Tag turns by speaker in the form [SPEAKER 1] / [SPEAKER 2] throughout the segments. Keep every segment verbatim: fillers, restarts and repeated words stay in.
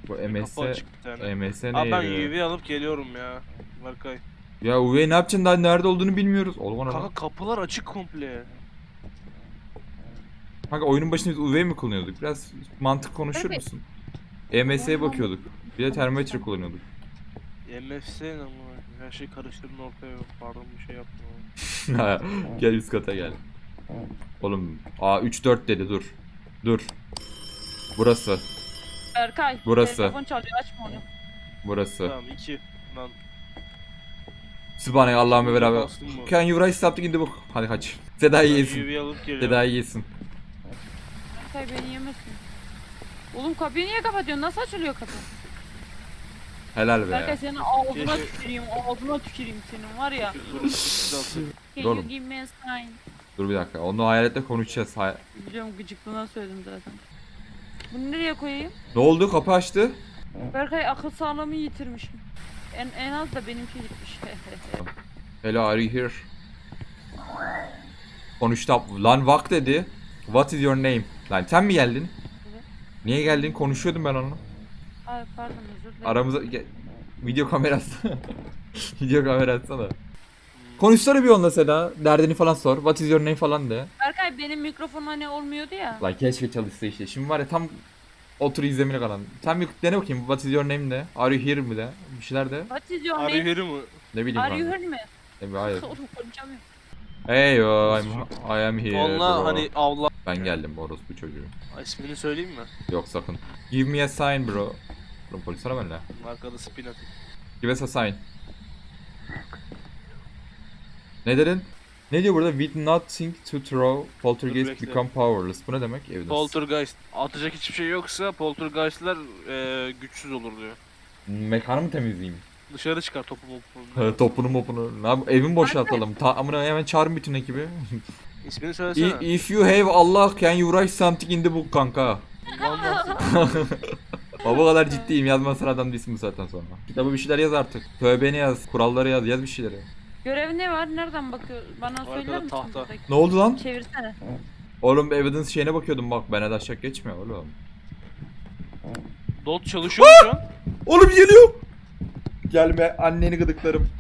[SPEAKER 1] Bu
[SPEAKER 2] Kapı
[SPEAKER 1] M S
[SPEAKER 2] açık bir tane.
[SPEAKER 1] M S ne
[SPEAKER 2] Abi ben
[SPEAKER 1] yarıyor?
[SPEAKER 2] U V alıp geliyorum ya. Berkay.
[SPEAKER 1] Ya U V ne yapacaksın, daha nerede olduğunu bilmiyoruz. Oğlum ona
[SPEAKER 2] Kanka
[SPEAKER 1] lan.
[SPEAKER 2] kapılar açık komple.
[SPEAKER 1] Kanka oyunun başında biz U V mi kullanıyorduk? Biraz mantık konuşur
[SPEAKER 3] Berkay.
[SPEAKER 1] musun? M S'ye bakıyorduk. Bir de termometre kullanıyorduk.
[SPEAKER 2] M F S ne ama? Her şey karıştırdın ortaya. Pardon bir şey yaptım ama.
[SPEAKER 1] Gel üst kata gel. Oğlum A üç dört dedi, dur. Dur. Burası.
[SPEAKER 3] Berkay.
[SPEAKER 1] Burası.
[SPEAKER 3] Telefon çalıyor, açma onu.
[SPEAKER 1] Burası.
[SPEAKER 2] Tamam iki. Lan.
[SPEAKER 1] Sübhane Allah'ım ve beraber.
[SPEAKER 2] Bastım mı?
[SPEAKER 1] Can you write something in the book? Hadi kaç. Seda'yı
[SPEAKER 2] Ben
[SPEAKER 1] yesin.
[SPEAKER 2] U V alıp geliyorum.
[SPEAKER 1] Seda'yı yesin.
[SPEAKER 3] Berkay beni yemesin. Oğlum kapıyı niye kapatıyorsun? Nasıl açılıyor kapı?
[SPEAKER 1] Helal be.
[SPEAKER 3] Berkay senin ağzına
[SPEAKER 2] Keşke-
[SPEAKER 3] tüküreyim, ağzına tüküreyim senin var ya.
[SPEAKER 2] Dur, dur.
[SPEAKER 3] Can
[SPEAKER 1] Oğlum.
[SPEAKER 3] you give me a sign?
[SPEAKER 1] Dur bir dakika. Onu hayaletle konuşacağız. Hay-
[SPEAKER 3] Biliyorum, gıcıklığına söyledim zaten. Bunu nereye koyayım?
[SPEAKER 1] ne oldu? Kapı açtı.
[SPEAKER 3] Berkay akıl sağlığımı yitirmişim. En, en az da benimki gitmiş.
[SPEAKER 1] Hello, are you here? Konuştu. Lan vak dedi. What is your name? Lan sen mi geldin?
[SPEAKER 3] Evet.
[SPEAKER 1] Niye geldin? Konuşuyordum ben onunla.
[SPEAKER 3] Ay pardon, özür dilerim.
[SPEAKER 1] Aramıza ge- video kamerası. Video kamerası da. Konuşsana bir onunla Seda. Derdini falan sor. What is your name falan de.
[SPEAKER 3] Berkay benim mikrofonum hani olmuyordu ya.
[SPEAKER 1] Lan keşke çalışsa işte. Şimdi var ya tam otur izlemine kalan. Sen bir dene bakayım. What is your name de. Are you here mi de. Bir şeyler de.
[SPEAKER 3] What is your
[SPEAKER 2] Arı
[SPEAKER 3] name?
[SPEAKER 2] heri mi?
[SPEAKER 1] Ne bileyim
[SPEAKER 3] Are you
[SPEAKER 1] ben.
[SPEAKER 3] here mi?
[SPEAKER 1] Ne bileyim, hayır.
[SPEAKER 3] Oğlum konuşamıyorum.
[SPEAKER 1] Hey yo, I'm, I am here.
[SPEAKER 2] Onunla
[SPEAKER 1] bro.
[SPEAKER 2] hani avla.
[SPEAKER 1] Ben geldim orospu çocuğu.
[SPEAKER 2] İsmini söyleyeyim mi?
[SPEAKER 1] Yok sakın. Give me a sign bro. Oğlum polis ara benimle.
[SPEAKER 2] Arkada spin at.
[SPEAKER 1] Give us a sign. Ne dedin? Ne diyor burada? With nothing to throw, poltergeist
[SPEAKER 2] bekle.
[SPEAKER 1] become powerless. Bu ne demek? Evidence.
[SPEAKER 2] Poltergeist. Atacak hiçbir şey yoksa poltergeistler e, güçsüz olur diyor.
[SPEAKER 1] Mekanı mı temizleyeyim?
[SPEAKER 2] Dışarı çıkar topu mopu.
[SPEAKER 1] Topunu mopunu. Ne yap? Evimi boşaltalım. Ta amına hemen çağırın bütün ekibi.
[SPEAKER 2] İsmini
[SPEAKER 1] I-
[SPEAKER 2] söylesene.
[SPEAKER 1] If you have Allah, can you write something in the book kanka?
[SPEAKER 2] Vallahi.
[SPEAKER 1] Baba kadar ciddiyim, yazmasın adam değilsin bu saatten sonra. Kitabı bir şeyler yaz artık. Tövbeni yaz, kuralları yaz, yaz bir şeyleri.
[SPEAKER 3] Görev ne var? Nereden bakıyor? Bana
[SPEAKER 2] Arkada
[SPEAKER 3] söyler misin?
[SPEAKER 2] tahta.
[SPEAKER 3] buradaki?
[SPEAKER 1] Ne oldu lan?
[SPEAKER 3] Çevirsene.
[SPEAKER 1] Oğlum evidence şeyine bakıyordum bak, bana da aşağı geçmiyor oğlum.
[SPEAKER 2] Dot çalışıyor mu şu an?
[SPEAKER 1] Oğlum geliyor. Gelme, anneni gıdıklarım.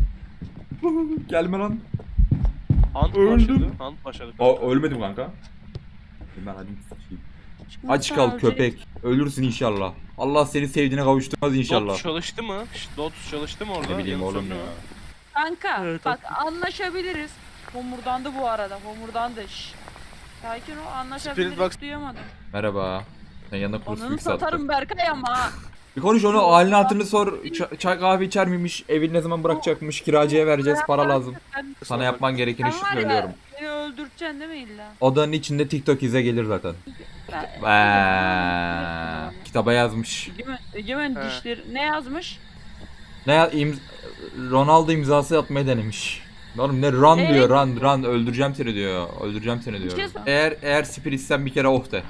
[SPEAKER 1] Gelme lan.
[SPEAKER 2] Hunt
[SPEAKER 1] Öldüm.
[SPEAKER 2] başladı. Hunt başladı.
[SPEAKER 1] Aa, ölmedim kanka. Ben hadi sıçayım.
[SPEAKER 3] Çıkmazsa
[SPEAKER 1] Aç kal
[SPEAKER 3] ölecek.
[SPEAKER 1] köpek. Ölürsün inşallah. Allah seni sevdiğine kavuşturmaz inşallah.
[SPEAKER 2] Dot çalıştı mı? Şşt, Dot çalıştı mı orada?
[SPEAKER 1] Ne bileyim
[SPEAKER 2] Yanıt
[SPEAKER 1] oğlum
[SPEAKER 2] söylüyor
[SPEAKER 1] ya.
[SPEAKER 2] mu?
[SPEAKER 3] Kanka
[SPEAKER 2] Evet,
[SPEAKER 3] bak anlaşabiliriz. Homurdandı bu arada. Homurdandı. Şşş. Sakin ol, anlaşabiliriz.
[SPEAKER 2] Spirit box-
[SPEAKER 3] Duyamadım.
[SPEAKER 1] Merhaba. Sen yanına kurs
[SPEAKER 3] Onunu
[SPEAKER 1] büyük sattı.
[SPEAKER 3] satarım Berkay ama. ha.
[SPEAKER 1] Bir konuş onu, halini hatırını sor. Ç- çay kahve içer miymiş? Evini ne zaman bırakacakmış? Kiracıya vereceğiz, para lazım.
[SPEAKER 3] Ben,
[SPEAKER 1] Sana yapman gerekeni
[SPEAKER 3] sen var
[SPEAKER 1] söylüyorum.
[SPEAKER 3] ya beni öldüreceksin değil mi illa?
[SPEAKER 1] Odanın içinde TikTok ize gelir zaten.
[SPEAKER 3] Ben,
[SPEAKER 1] Eee, kitaba yazmış.
[SPEAKER 3] Egemen, Egemen
[SPEAKER 2] He.
[SPEAKER 3] dişleri ne yazmış?
[SPEAKER 1] Ne ya, imz Ronaldo imzası atmaya denemiş. Oğlum ne run
[SPEAKER 3] Ee?
[SPEAKER 1] diyor, run run, öldüreceğim seni diyor. Öldüreceğim seni diyor.
[SPEAKER 3] şey sor-
[SPEAKER 1] Eğer eğer spiritsen bir kere oh de.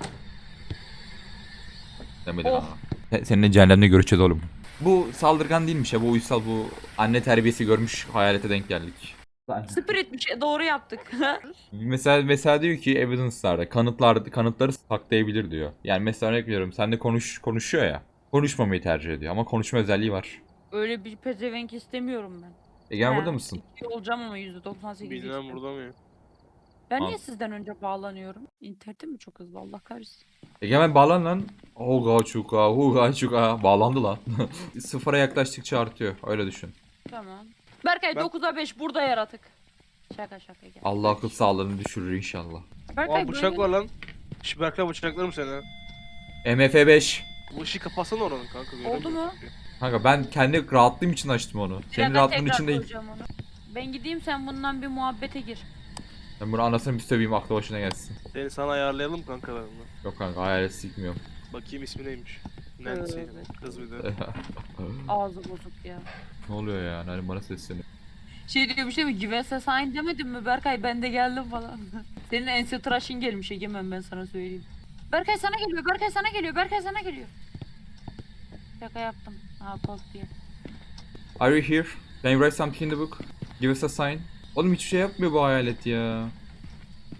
[SPEAKER 1] Demedin
[SPEAKER 3] Oh.
[SPEAKER 1] ama. Se- Seninle cehennemde görüşeceğiz oğlum. Bu saldırgan değilmiş ya, bu uysal, bu anne terbiyesi görmüş hayalete denk geldik.
[SPEAKER 3] Spirit bir şey doğru yaptık.
[SPEAKER 1] Mesela mesela diyor ki evidence'larda kanıtlar kanıtları saklayabilir diyor. Yani mesela örnek veriyorum, sen de konuş konuşuyor ya. Konuşmamayı tercih ediyor ama konuşma özelliği var.
[SPEAKER 3] Öyle bir pezevenk istemiyorum ben.
[SPEAKER 1] Egen
[SPEAKER 3] He.
[SPEAKER 1] burada mısın?
[SPEAKER 3] İyi olacağım ama yüzde doksan sekiz
[SPEAKER 2] Bilmem
[SPEAKER 3] geçtim.
[SPEAKER 2] burada mı?
[SPEAKER 3] Ben
[SPEAKER 1] Al.
[SPEAKER 3] niye sizden önce bağlanıyorum? İnternetim mi çok hızlı, Allah kahretsin.
[SPEAKER 1] Egemen bağlan lan. Hoga çuka, huga çuka. Bağlandı lan. Sıfıra yaklaştıkça artıyor. Öyle düşün.
[SPEAKER 3] Tamam. Berkay
[SPEAKER 2] Ben-
[SPEAKER 3] dokuza beş burada yaratık. Şaka şaka gel.
[SPEAKER 1] Allah akıl sağlığını düşürür inşallah.
[SPEAKER 3] Berkay
[SPEAKER 2] Aa bıçak
[SPEAKER 3] böyle-
[SPEAKER 2] var lan. Şş Berkay bıçaklarım seni.
[SPEAKER 1] M F beş.
[SPEAKER 2] Bu ışığı kapatsana oranın kanka. göremiyorum
[SPEAKER 3] mu?
[SPEAKER 2] çünkü.
[SPEAKER 1] Kanka ben kendi rahatlığım için açtım onu.
[SPEAKER 3] Bir
[SPEAKER 1] Senin
[SPEAKER 3] dakika,
[SPEAKER 1] rahatlığın
[SPEAKER 3] tekrar
[SPEAKER 1] için değil.
[SPEAKER 3] koyacağım onu. Ben gideyim, sen bundan bir muhabbete gir.
[SPEAKER 1] Ben bunu anasını bir söveyim, aklı başına gelsin.
[SPEAKER 2] Seni sana ayarlayalım kankalarını.
[SPEAKER 1] Yok kanka, hayalet sikmiyorum.
[SPEAKER 2] Bakayım ismi neymiş. Nancy.
[SPEAKER 3] Evet.
[SPEAKER 2] Kız bir de.
[SPEAKER 3] Ağzı bozuk ya.
[SPEAKER 1] Ne oluyor ya? Hani bana sesleniyor.
[SPEAKER 3] Şey diyor, bir şey mi? Give us a sign demedin mi Berkay? Ben de geldim falan. Senin ense tıraşın gelmiş Egemen, ben sana söyleyeyim. Berkay sana geliyor, Berkay sana geliyor, Berkay sana geliyor. Şaka yaptım. Ha post diye.
[SPEAKER 1] Are you here? Can you write something in the book? Give us a sign. Oğlum hiçbir şey yapmıyor bu hayalet ya.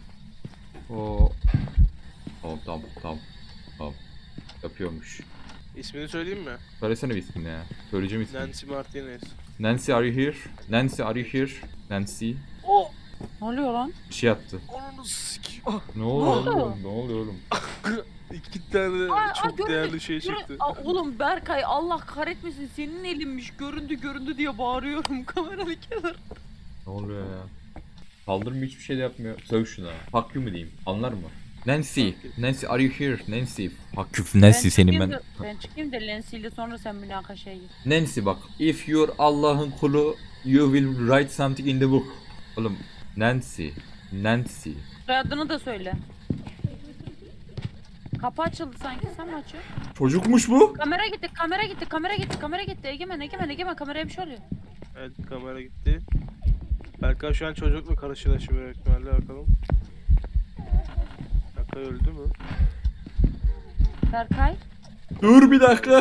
[SPEAKER 1] O. Tamam tamam tamam. Tamam. Yapıyormuş.
[SPEAKER 2] İsmini söyleyeyim mi?
[SPEAKER 1] Söylesene bir ismini ya. Söyleyeceğim ismini.
[SPEAKER 2] Nancy Martinez.
[SPEAKER 1] Nancy are you here? Nancy are you here? Nancy.
[SPEAKER 2] Oh!
[SPEAKER 3] Ne oluyor lan?
[SPEAKER 1] Bir şey yaptı.
[SPEAKER 2] Ananı sikeyim. Ah,
[SPEAKER 1] Ne oluyor
[SPEAKER 3] oldu?
[SPEAKER 1] oğlum? Ne oluyor oğlum?
[SPEAKER 2] İki tane
[SPEAKER 3] Aa, aa,
[SPEAKER 2] çok
[SPEAKER 3] göründü,
[SPEAKER 2] değerli şey
[SPEAKER 3] görün-
[SPEAKER 2] çıktı.
[SPEAKER 3] Aa, oğlum Berkay Allah kahretmesin senin elinmiş göründü göründü diye bağırıyorum kameranın kenarında.
[SPEAKER 1] Ne oluyor ya? Saldırmıyor, hiçbir şey de yapmıyor. Söv şuna. Fuck you mu diyeyim? Anlar mı? Nancy. Nancy are you here? Nancy. Fuck you Nancy senin
[SPEAKER 3] çıkayım
[SPEAKER 1] ben.
[SPEAKER 3] da- ben çıkayım da Lensi ile sonra sen münakaşaya gir.
[SPEAKER 1] Nancy bak. If you're Allah'ın kulu, you will write something in the book. Oğlum Nancy. Nancy.
[SPEAKER 3] Soyadını da söyle. Kapı açıldı sanki sen mi açıyorsun?
[SPEAKER 1] Çocukmuş bu.
[SPEAKER 3] Kamera gitti kamera gitti kamera gitti kamera gitti Egemen Egemen Egemen kameraya bir şey oluyor.
[SPEAKER 2] Evet kamera gitti. Berkay şu an çocukla karşılaşıyor büyük ihtimalle bakalım. Berkay öldü mü?
[SPEAKER 3] Berkay.
[SPEAKER 1] Dur bir dakika.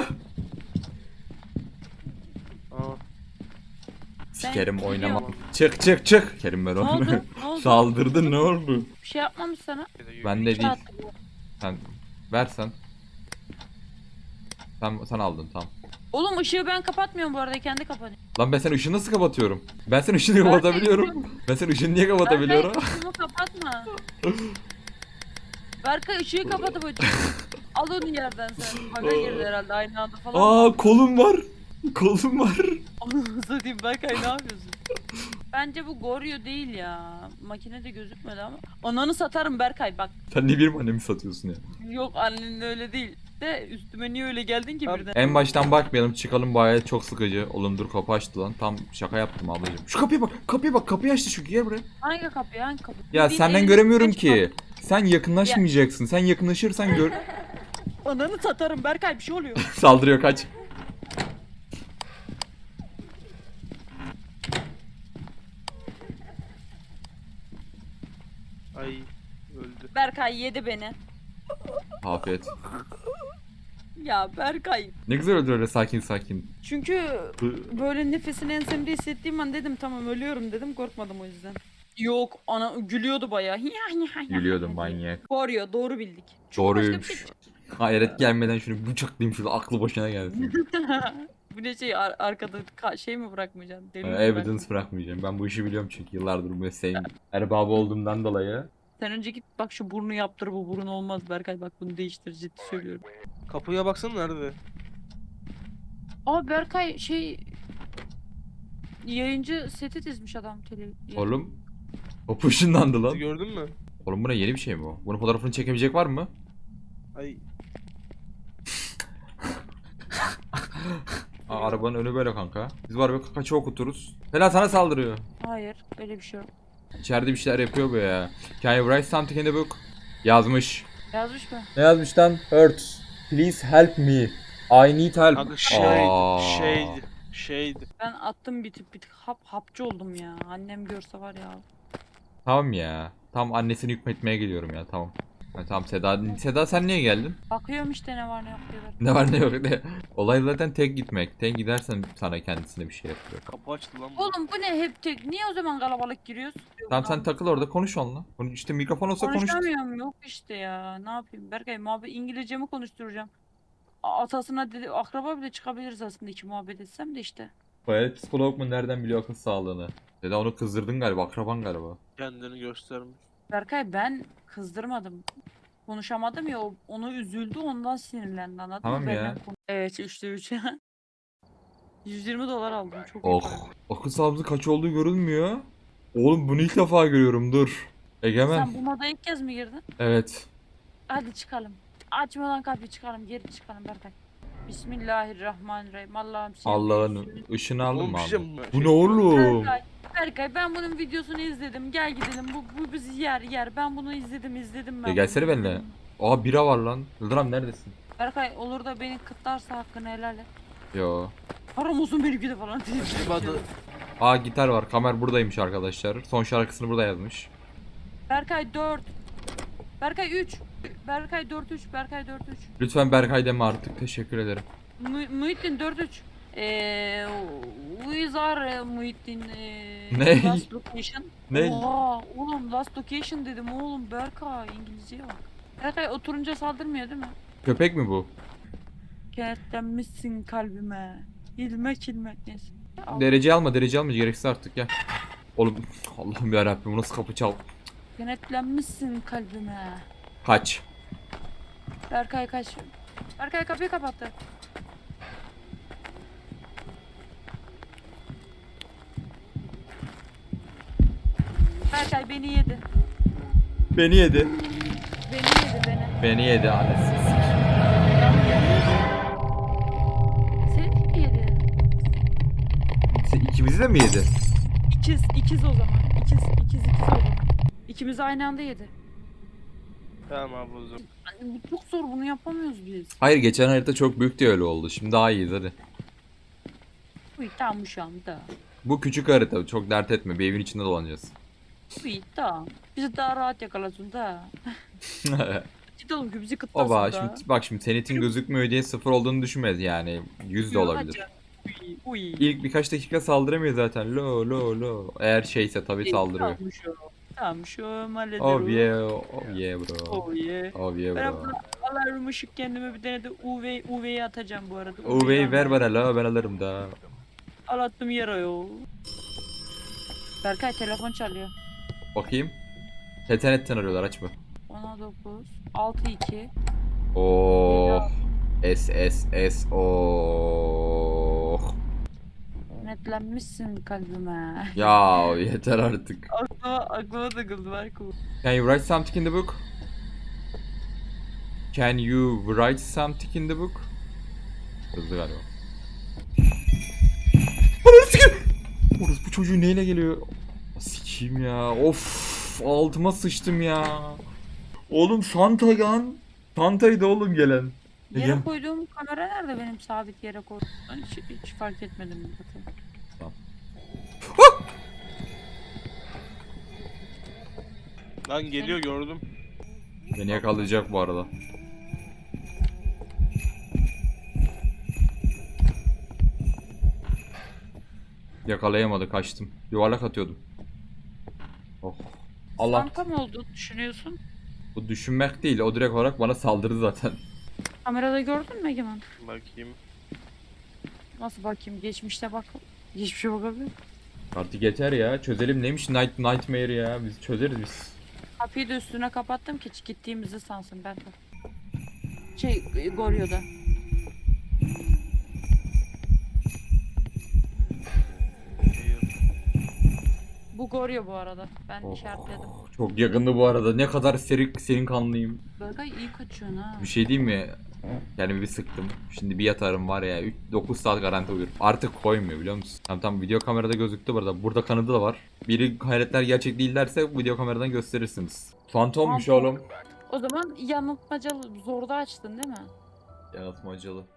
[SPEAKER 2] Aa.
[SPEAKER 1] Sikerim
[SPEAKER 3] gidiyor
[SPEAKER 1] oynama.
[SPEAKER 2] mu?
[SPEAKER 1] Çık çık çık. Kerim ben
[SPEAKER 3] Ne
[SPEAKER 1] onu.
[SPEAKER 3] oldu? Ne oldu?
[SPEAKER 1] Saldırdı ne oldu?
[SPEAKER 3] Bir şey yapmamış sana.
[SPEAKER 1] Ben de
[SPEAKER 3] Şey
[SPEAKER 1] değil.
[SPEAKER 3] attı bu.
[SPEAKER 1] Sen versen. Sen sen aldın tamam.
[SPEAKER 3] Oğlum ışığı ben kapatmıyorum bu arada kendi kapanıyor.
[SPEAKER 1] Lan ben senin ışığını nasıl kapatıyorum? Ben senin ışığını
[SPEAKER 3] Berkay,
[SPEAKER 1] kapatabiliyorum. Ben senin ışığını niye kapatabiliyorum?
[SPEAKER 3] Berkay ışığımı kapatma. Berkay ışığı kapatıp açıyor. Al onu yerden sen. Baga girdi herhalde aynı anda falan.
[SPEAKER 1] Aa kolum var. Kolum var.
[SPEAKER 3] Onu satayım Berkay ne yapıyorsun? Bence bu Goryo değil ya. Makinede gözükmedi ama. Ananı satarım Berkay bak.
[SPEAKER 1] Sen niye benim annemi satıyorsun ya?
[SPEAKER 3] Yok annen öyle değil. De üstüme niye öyle geldin ki
[SPEAKER 2] Abi-
[SPEAKER 3] birden?
[SPEAKER 1] En baştan bakmayalım çıkalım bayağı çok sıkıcı. Oğlum dur kapı açtı lan. Tam şaka yaptım ablacığım. Şu kapıya bak. Kapıya bak. Kapıyı açtı şu gel buraya.
[SPEAKER 3] Hangi kapı hangi kapı?
[SPEAKER 1] Ya
[SPEAKER 3] Bildiğin
[SPEAKER 1] senden
[SPEAKER 3] elinde
[SPEAKER 1] göremiyorum
[SPEAKER 3] beş
[SPEAKER 1] ki. Sen yakınlaşmayacaksın. Sen yakınlaşırsan gör.
[SPEAKER 3] kapı. Ananı satarım Berkay bir şey oluyor.
[SPEAKER 1] Saldırıyor kaç.
[SPEAKER 2] Ay öldü.
[SPEAKER 3] Berkay yedi beni.
[SPEAKER 1] Afiyet.
[SPEAKER 3] Ya Berkay.
[SPEAKER 1] Ne güzel öldür öyle sakin sakin.
[SPEAKER 3] Çünkü böyle nefesini ensemde hissettiğim an dedim tamam ölüyorum dedim korkmadım o yüzden. Yok ana gülüyordu bayağı.
[SPEAKER 1] Gülüyordum manyak.
[SPEAKER 3] Goryo doğru bildik. Çünkü başka bir
[SPEAKER 1] Doğruymuş.
[SPEAKER 3] şey-
[SPEAKER 1] Hayret gelmeden şunu bıçaklayayım şurada aklı başına gelsin.
[SPEAKER 3] Bu ne şey ar- arkada ka- şey mi bırakmayacaksın? Deli mi
[SPEAKER 1] Ee,
[SPEAKER 3] bırakmayacaksın?
[SPEAKER 1] Evidence bırakmayacağım. Ben bu işi biliyorum çünkü yıllardır bu mesleğin erbabı olduğumdan dolayı.
[SPEAKER 3] Sen önce git bak şu burnu yaptır bu burun olmaz Berkay bak bunu değiştir ciddi söylüyorum.
[SPEAKER 2] Kapıya baksana nerede?
[SPEAKER 3] Aa Berkay şey yayıncı seti dizmiş adam tele.
[SPEAKER 1] Oğlum. Kapı ışınlandı lan.
[SPEAKER 2] Gördün mü?
[SPEAKER 1] Oğlum buna yeni bir şey mi bu? Bunun fotoğrafını çekebilecek var mı?
[SPEAKER 2] Ay
[SPEAKER 1] Aa, arabanın önü böyle kanka. Biz var bir kaçı okuturuz. Fela sana saldırıyor.
[SPEAKER 3] Hayır öyle bir şey yok.
[SPEAKER 1] İçeride bir şeyler yapıyor bu ya. Can you write something in the book? Yazmış.
[SPEAKER 3] Yazmış mı?
[SPEAKER 1] Ne yazmış lan? Hurts. Please help me. I need help.
[SPEAKER 2] kanka şeydi,
[SPEAKER 1] Aa.
[SPEAKER 2] şeydi, şeydi.
[SPEAKER 3] Ben attım bir tık bir tık hap hapçı oldum ya. Annem görse var ya.
[SPEAKER 1] Tamam ya. Tam annesini hükmetmeye geliyorum ya tamam. Ha, tamam Seda. Seda sen niye geldin?
[SPEAKER 3] Bakıyorum işte ne var ne yok diyorlar.
[SPEAKER 1] Ne var ne yok ne. Olay zaten tek gitmek. Tek gidersen sana kendisine bir şey yapıyor.
[SPEAKER 2] Kapı açtı lan bu.
[SPEAKER 3] Oğlum bu ne hep tek? Niye o zaman kalabalık giriyoruz?
[SPEAKER 1] Tamam sen takıl orada konuş onunla. Konuş, işte mikrofon olsa konuş.
[SPEAKER 3] Konuşamıyorum yok işte ya. Ne yapayım Berkay muhabbet İngilizce mi konuşturacağım? A- Atasına dedi akraba bile çıkabiliriz aslında iki muhabbet etsem de işte.
[SPEAKER 1] Bayağı psikolog mu nereden biliyor akıl sağlığını? Seda onu kızdırdın galiba akraban galiba.
[SPEAKER 2] Kendini göstermiş.
[SPEAKER 3] Berkay ben kızdırmadım. Konuşamadım ya o- onu üzüldü ondan sinirlendi anladın
[SPEAKER 1] Tamam
[SPEAKER 3] mı?
[SPEAKER 1] ya.
[SPEAKER 3] Benden konu- Evet üçte üç. yüz yirmi dolar aldım çok iyi para.
[SPEAKER 1] Oh. Akıl sağlığımızın kaç olduğu görünmüyor. Oğlum bunu ilk defa görüyorum dur. Egemen.
[SPEAKER 3] Sen bu moda ilk kez mi girdin?
[SPEAKER 1] Evet.
[SPEAKER 3] Hadi çıkalım. Açmadan kapıyı çıkalım geri çıkalım Berkay. Bismillahirrahmanirrahim. Allah'ım senin
[SPEAKER 1] Allah'ın
[SPEAKER 3] büyüksün.
[SPEAKER 1] ışını aldın
[SPEAKER 2] Oğlum
[SPEAKER 1] mı
[SPEAKER 2] bir şey
[SPEAKER 1] abi?
[SPEAKER 2] mi?
[SPEAKER 1] Bu
[SPEAKER 2] Şey-
[SPEAKER 1] ne oğlum?
[SPEAKER 3] Berkay, Berkay ben bunun videosunu izledim. Gel gidelim. Bu, bu bizi yer yer. Ben bunu izledim izledim ben.
[SPEAKER 1] Ya gelsene
[SPEAKER 3] bunu.
[SPEAKER 1] benimle. Aa bira var lan. Yıldırım neredesin?
[SPEAKER 3] Berkay olur da beni kıtlarsa hakkını helal et.
[SPEAKER 1] Yo.
[SPEAKER 3] Haram olsun benimki de falan diye.
[SPEAKER 2] Hadi.
[SPEAKER 1] Aa gitar var. Kamer buradaymış arkadaşlar. Son şarkısını burada yazmış.
[SPEAKER 3] Berkay dört. Berkay üç. Berkay dört üç. Berkay dört üç.
[SPEAKER 1] Lütfen Berkay deme artık. Teşekkür ederim.
[SPEAKER 3] Mu Muhittin dört üç. Eee We are Muhittin eee,
[SPEAKER 1] Ne?
[SPEAKER 3] Last Location.
[SPEAKER 1] Ne?
[SPEAKER 3] Oha oğlum Last Location dedim oğlum Berkay İngilizceye bak. Berkay oturunca saldırmıyor değil mi?
[SPEAKER 1] Köpek mi bu?
[SPEAKER 3] Kenetlenmişsin kalbime. İlmek ilmek neyse. Al.
[SPEAKER 1] Derece alma derece alma gereksiz artık gel. Oğlum Allah'ım yarabbim bu nasıl kapı çal.
[SPEAKER 3] Kenetlenmişsin kalbime.
[SPEAKER 1] Kaç.
[SPEAKER 3] Berkay kaç. Berkay kapıyı kapattı. Berkay beni yedi.
[SPEAKER 1] Beni yedi.
[SPEAKER 3] Beni yedi beni.
[SPEAKER 1] Beni yedi annesi.
[SPEAKER 3] Seni mi yedi?
[SPEAKER 1] Sen ikimizi de mi yedi?
[SPEAKER 3] İkiz, ikiz o zaman. İkiz, ikiz, ikiz o zaman. İkimiz aynı anda yedi.
[SPEAKER 2] Tamam abi o zaman.
[SPEAKER 3] Yani bu çok zor, bunu yapamıyoruz biz.
[SPEAKER 1] Hayır geçen harita çok büyük de öyle oldu. Şimdi daha iyiyiz hadi.
[SPEAKER 3] Uy tamam şu anda.
[SPEAKER 1] Bu küçük harita çok dert etme bir evin içinde dolanacağız.
[SPEAKER 3] Uy tamam. Bizi daha rahat yakalasın da. Ciddi oğlum ki bizi kıtlasın
[SPEAKER 1] Oba
[SPEAKER 3] da.
[SPEAKER 1] şimdi bak şimdi senetin gözükmüyor diye sıfır olduğunu düşünmez yani. yüz de olabilir.
[SPEAKER 3] Uy, uy.
[SPEAKER 1] İlk birkaç dakika saldıramıyor zaten. Lo lo lo. Eğer şeyse tabii saldırıyor.
[SPEAKER 3] Tamam şu. Tamam şu hallederim.
[SPEAKER 1] Oh yeah, oh yeah bro.
[SPEAKER 3] Oh yeah.
[SPEAKER 1] Oh yeah
[SPEAKER 3] Ben
[SPEAKER 1] bro.
[SPEAKER 3] abla alarm ışık kendime bir tane de U V U V'yi atacağım bu arada.
[SPEAKER 1] U V'yi ver bana la ben alırım da.
[SPEAKER 3] Al attım yere yo. Berkay telefon çalıyor.
[SPEAKER 1] Bakayım. Tetenetten arıyorlar açma.
[SPEAKER 3] on dokuz altı iki.
[SPEAKER 1] Oh. S S S oh.
[SPEAKER 3] Netlenmişsin kalbime.
[SPEAKER 1] Ya yeter artık.
[SPEAKER 3] aklıma, aklıma takıldı Berkay.
[SPEAKER 1] Can you write something in the book? Can you write something in the book? Hızlı galiba. Ananı sikeyim. Orası bu çocuğu neyle geliyor? Sikeyim ya. Of altıma sıçtım ya. Oğlum Santa lan. Santa'ydı oğlum gelen.
[SPEAKER 3] Yere
[SPEAKER 1] Gel.
[SPEAKER 3] koyduğum kamera nerede benim sabit yere koydum? Ben hiç, hiç fark etmedim zaten.
[SPEAKER 2] Lan geliyor gördüm.
[SPEAKER 1] Beni yakalayacak bu arada. Yakalayamadı kaçtım. Yuvarlak atıyordum. Oh. Allah.
[SPEAKER 3] Santa mı olduğunu düşünüyorsun?
[SPEAKER 1] Bu düşünmek değil. O direkt olarak bana saldırdı zaten.
[SPEAKER 3] Kamerada gördün mü Egemen?
[SPEAKER 2] Bakayım.
[SPEAKER 3] Nasıl bakayım? Geçmişte bak. Geçmişe bakabilir.
[SPEAKER 1] Artık yeter ya. Çözelim neymiş Night Nightmare ya. Biz çözeriz biz.
[SPEAKER 3] Kapıyı da üstüne kapattım ki gittiğimizi sansın ben de. Şey Goryo'da. Bu Goryo bu arada. Ben
[SPEAKER 1] Oh,
[SPEAKER 3] işaretledim.
[SPEAKER 1] çok yakındı bu arada. Ne kadar serin, serin kanlıyım.
[SPEAKER 3] Berkay iyi kaçıyorsun ha.
[SPEAKER 1] Bir şey diyeyim mi? Kendimi bir sıktım. Şimdi bir yatarım var ya. dokuz saat garanti uyurum. Artık koymuyor biliyor musun? Tamam tamam video kamerada gözüktü burada. Burada kanadı da var. Biri hayretler gerçek değil derse video kameradan gösterirsiniz. Fantommuş
[SPEAKER 3] Fantom.
[SPEAKER 1] oğlum.
[SPEAKER 3] O zaman yanıltmacalı zorda açtın değil mi?
[SPEAKER 1] Yaratmacalı.